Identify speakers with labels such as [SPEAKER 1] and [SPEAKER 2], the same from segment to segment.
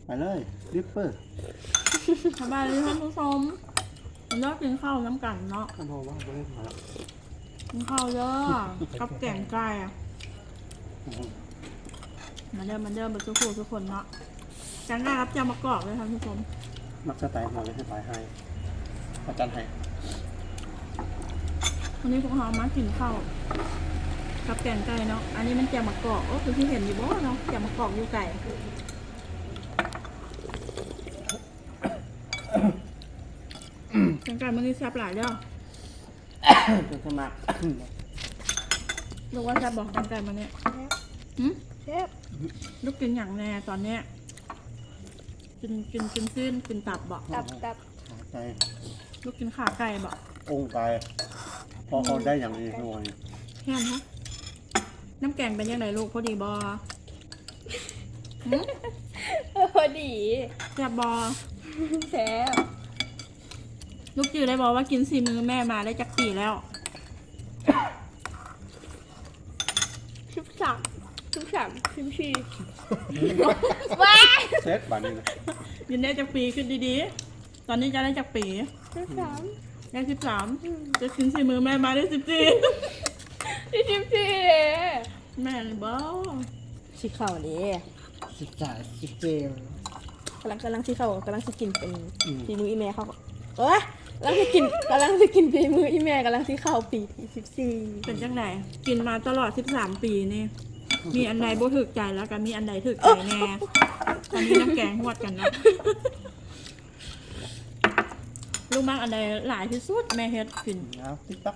[SPEAKER 1] ไปเลยริปเปอร์
[SPEAKER 2] สบายเลยท่านผู้ชมผมเลิกกินข้าวน้ำกันเนาะ
[SPEAKER 1] ท่านพ่อว่าไม่ได้มาแล้ว
[SPEAKER 2] กินข้าวเยอะกับแกงไก่อะมาเดิมมาทุกคนเนาะแกงไก่ครับจะมากรอกเลยท่านผู้ชม
[SPEAKER 1] มักสไตล์มาเลยให้ตายให้อาจารย์ให้
[SPEAKER 2] วันนี้พวกเรามากินข้าวกับแกงไก่เนาะอันนี้มันแกงมะกอกก็คือที่เห็นอยู่บ่เนาะแกงมะกอกอยู่ไก่แกงไก่มันนี่แซ่บหลายเด้อ
[SPEAKER 1] จนสมัคร
[SPEAKER 2] ลูกว่าแซ่บบอกแกงไก่มันเนี่ยหืม
[SPEAKER 3] เชฟ
[SPEAKER 2] ลูกกินอย่างแน่ตอนเนี้ยกินเส้นกินตับบอก
[SPEAKER 3] ตับ
[SPEAKER 1] ขาใจ
[SPEAKER 2] ลูกกินขาไก่บอก
[SPEAKER 1] องค์กายพอเขาได้อย่างนี้หน่อย
[SPEAKER 2] แค่นั้นฮะน้ำแกงเป็นยังไงลูกพอดีบอหืม
[SPEAKER 3] พอดี
[SPEAKER 2] แซ่บบอ
[SPEAKER 3] เชฟ
[SPEAKER 2] ลูกจือได้บอกว่ากินซีมือแม่มาได้จักปีแล้ว
[SPEAKER 3] 14ว้า
[SPEAKER 1] เซตบันนี้นะ
[SPEAKER 2] กินได้จักปีขึ้นดีๆตอนนี้จะได้จักปี
[SPEAKER 3] 13
[SPEAKER 2] ได้13จะกินซีมือแม่มาได้14
[SPEAKER 3] 14
[SPEAKER 2] แม่เลยบอ
[SPEAKER 3] สีขาวนี่
[SPEAKER 1] 13 17
[SPEAKER 3] กำลังสีขาวกำลังจะกินเป็นฝีมืออีแม่เขาเอ้ยกำลังจะกินฝีมืออีแม่กำลังสีขาวปีที่14
[SPEAKER 2] เป็นจังไหนกินมาตลอด13 ปีนี่มีอันใดบ่ถึกใจแล้วก็มีอันใดถึกใจแน่ตอนนี้น้ำแกงหวดกันเนาะลูกมักอันใดหลายที่สุดแม่เฮ็ดกิน
[SPEAKER 1] แล้วติ๊กต๊อก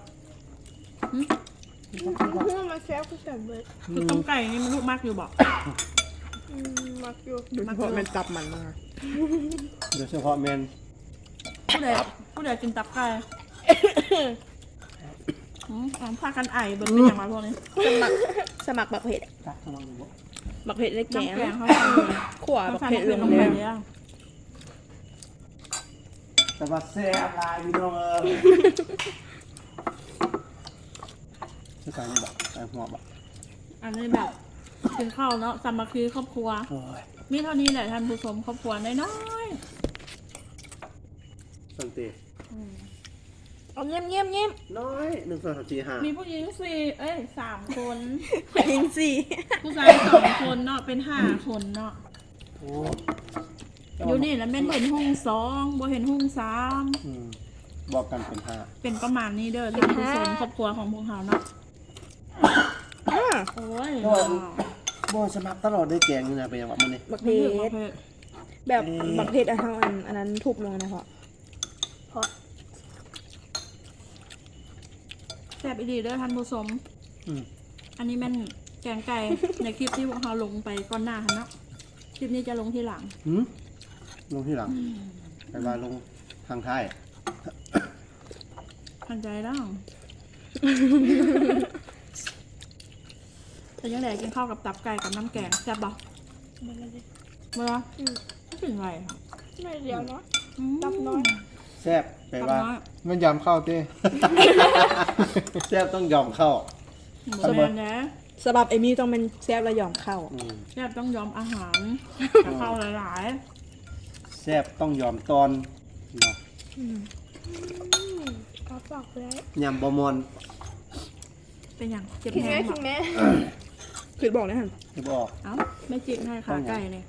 [SPEAKER 3] มาเชฟก็สั่งเลย
[SPEAKER 2] คือต้มไก่นี่มันลูกมักอยู่บอก
[SPEAKER 3] มักอยู่
[SPEAKER 2] มักอยู่
[SPEAKER 3] มันจับมันมา
[SPEAKER 1] โดยเฉพาะเมน
[SPEAKER 2] ผู้ใดกินตับไก่พากันไอเบิ่งเป็นอย่างไรพวกนี้
[SPEAKER 3] สมัครบักเผ็ด
[SPEAKER 1] ตักกำลังอยู่บ่
[SPEAKER 3] บักเผ็ดเล็กแกง
[SPEAKER 2] น้ำแกงเขา
[SPEAKER 3] ขวา
[SPEAKER 2] เขา
[SPEAKER 3] บัก
[SPEAKER 2] ใส่
[SPEAKER 3] เผ็ด
[SPEAKER 2] เผ็
[SPEAKER 3] เรื่
[SPEAKER 2] ด
[SPEAKER 3] อง
[SPEAKER 2] ลงไป
[SPEAKER 3] แดง
[SPEAKER 2] เลย
[SPEAKER 1] แต่ว่าแซ่บลายพี่น้องชื่อการนี่บ่ใส่หัวบ่
[SPEAKER 2] อันนี้แบบกินข้าวเนาะสามัคคีครอบครัว
[SPEAKER 1] โอ้ย
[SPEAKER 2] มีเท่านี้แหละท่านผู้ชมครอบครัวน้อย
[SPEAKER 1] สันติ
[SPEAKER 3] เอาเงียบ
[SPEAKER 1] น้อย1 2 3 4
[SPEAKER 2] ๆมีผู้หญิง3 คน
[SPEAKER 3] ๆยิงสี่
[SPEAKER 2] ผู้ชาย2 คนเนาะเป็น5 คนเนาะ
[SPEAKER 1] 5โอ้
[SPEAKER 2] อยู่นี่แล้วแม่นเห็นห้อง2บ่เห็นห้อง3
[SPEAKER 1] บอกกันเป็น5
[SPEAKER 2] เป็นประมาณนี้เด้อท่านผู้ชมครอบครัวของพวกเราเนาะโอ้ย
[SPEAKER 1] บ่สมัครตลอดได้แกงนี่นะเป็นยังไงมื้อนี้
[SPEAKER 3] บัก
[SPEAKER 2] เผ็
[SPEAKER 3] เผ็
[SPEAKER 2] ด
[SPEAKER 3] ดแบบบักเผ็ดอันเท่าอันนั้นทุบลงนะพ่อ
[SPEAKER 2] แซ่บอีดีเด้อท่านผู้ชม
[SPEAKER 1] อืม
[SPEAKER 2] อันนี้แม่นแกงไก่ ในคลิปที่พวกเราลงไปก่อนหน้าค่ะเนาะคลิปนี้จะลงทีหลัง
[SPEAKER 1] ลงที่หลังไปว่าลงทางท้าย
[SPEAKER 2] ทันใจแล้วแต่ยังไงกินข้าวกับตับไก่กับน้ำแกงแซ่บบ่เวลาไม่ถึงไรค่ะ
[SPEAKER 3] ไม่เดียวเนาะ
[SPEAKER 2] อืม
[SPEAKER 3] ตับน้อย
[SPEAKER 1] แซ่บไป
[SPEAKER 2] ตับ
[SPEAKER 1] ว่า
[SPEAKER 2] น้อย
[SPEAKER 4] มันยำเข้าเต้
[SPEAKER 1] แซ่บต้องยอมเข้า
[SPEAKER 2] หมดแล้วนะ
[SPEAKER 3] สำหรับเอมี่ต้องเป็นแซ่บและหย่อมเข้า
[SPEAKER 2] แซ่บต้องยอมอาหารกับข้าวหลาย
[SPEAKER 1] แซ่บต้องยอมตอนเนาะ
[SPEAKER 3] ขอฝากไว้
[SPEAKER 1] ยำบะมอน
[SPEAKER 2] ๆเป็นอย่างเจ็บ
[SPEAKER 3] คิด
[SPEAKER 2] แห้
[SPEAKER 3] แม่
[SPEAKER 2] ง
[SPEAKER 3] คิดแม่คือบอกนะฮะ
[SPEAKER 1] ที่บอก
[SPEAKER 2] เอ้าไม่จิกให้ขาไก่เลย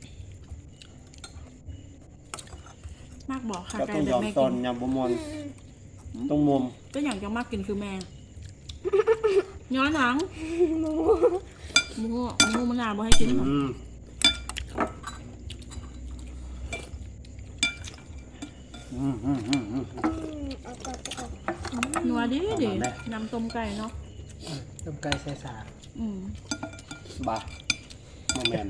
[SPEAKER 2] มากบอกขา
[SPEAKER 1] ก็
[SPEAKER 2] ไก่
[SPEAKER 1] ต้อง
[SPEAKER 2] แต่
[SPEAKER 1] ยอม
[SPEAKER 2] แม่
[SPEAKER 1] ตอ
[SPEAKER 2] กิ
[SPEAKER 1] น
[SPEAKER 2] น
[SPEAKER 1] ยำบะมอนต้องมุม
[SPEAKER 2] ก็อย่างจะมากกินคือแมงย้อนหลังหมูมะนาวบ่ให้กินหรอ นัวดิน้ำต้มไก่เนาะ
[SPEAKER 4] ต้มไก่ใส่สา
[SPEAKER 1] บาโมแมนได้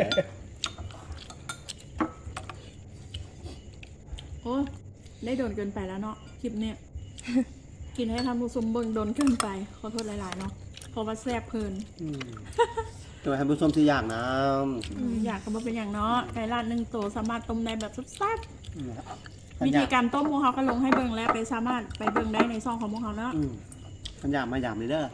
[SPEAKER 2] โอ้ได้โดนเกินไปแล้วเนาะคลิปเนี้ย กินให้ทำผู้ชมเบิ่งโดนเกินไปขอโทษหลายๆเนาะเพราะว่าแซ่บเพลิน
[SPEAKER 1] ตัวให้ผู้ชมที่อยากนะ
[SPEAKER 2] อยากก็มาเป็นอย่างเนาะไก่ลาด1 ตัวสามารถต้มได้แบบแซ่บๆ
[SPEAKER 1] ขัน
[SPEAKER 2] วิ
[SPEAKER 1] อยา
[SPEAKER 2] ธี
[SPEAKER 1] ก
[SPEAKER 2] การต้มพวกเขาก็ลงให้เบิ่งแล้วไปสามารถไปเบิ่งได้ในช่องของพวกเขาเนาะ
[SPEAKER 1] ขันอยากมาอยากเลยเด้อ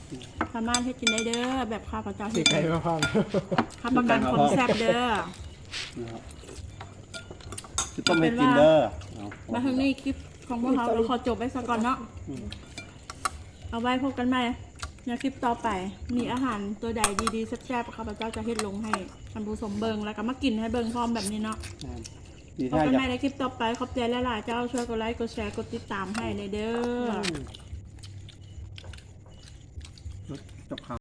[SPEAKER 2] สามารถให้กินได้เด้อแบบข้าวพเจ้า
[SPEAKER 4] สี
[SPEAKER 2] เฮ็ด
[SPEAKER 4] ไก่มาพร้อม
[SPEAKER 2] ข้าประกันความแซ่บเด้อ
[SPEAKER 1] นะครับจะต้มให้กินเด้อเอา
[SPEAKER 2] มาทางนี้คลิปของพวกเราขอจบไว้สักก่อนเนาะ
[SPEAKER 1] อืม
[SPEAKER 2] เอาไว้พบกันใหม่ในคลิปต่อไป มีอาหารตัวใดดีๆแซ่บๆข้าพเจ้าจะเฮ็ดลงให้ท่านผู้ชมเบิงแล้วก็มากินให้เบิงพร้อมแบบนี้เนาะ
[SPEAKER 1] ดี
[SPEAKER 2] พบ
[SPEAKER 1] ท่า
[SPEAKER 2] กัน
[SPEAKER 1] จะ
[SPEAKER 2] ใหม่ในคลิปต่อไปขอบใจหลายๆเจ้าช่วยกดไลค์กดแชร์กดติดตามให้ในเด้อ
[SPEAKER 1] จบข่าว